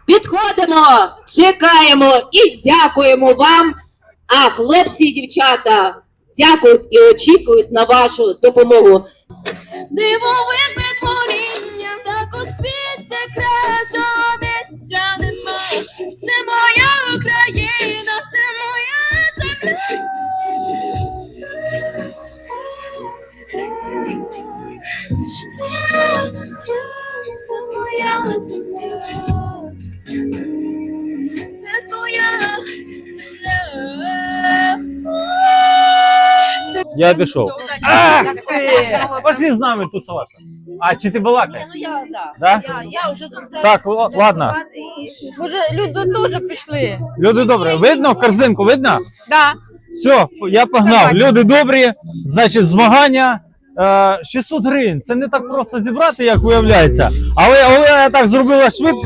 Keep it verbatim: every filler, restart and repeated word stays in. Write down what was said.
Підходимо, чекаємо і дякуємо вам. А хлопці і дівчата дякують і очікують на вашу допомогу. Дивовижне творіння, так у світі кращого місця немає. Це моя Україна, це моя земля. Це моя земля. Це твоя земля. Я пішов. Ах ти! Пошли з нами тусувати. А, чи ти балакаєш? Ну я, да. Да? Я, я вже тут. Так, л- ладно. Може, люди теж пішли. Люди добрі, видно корзинку, видно? Да. Все, я погнав. Люди добрі, значить, змагання. Е, шістсот гривень. Це не так просто зібрати, як виявляється. Але, але я так зробила швидко.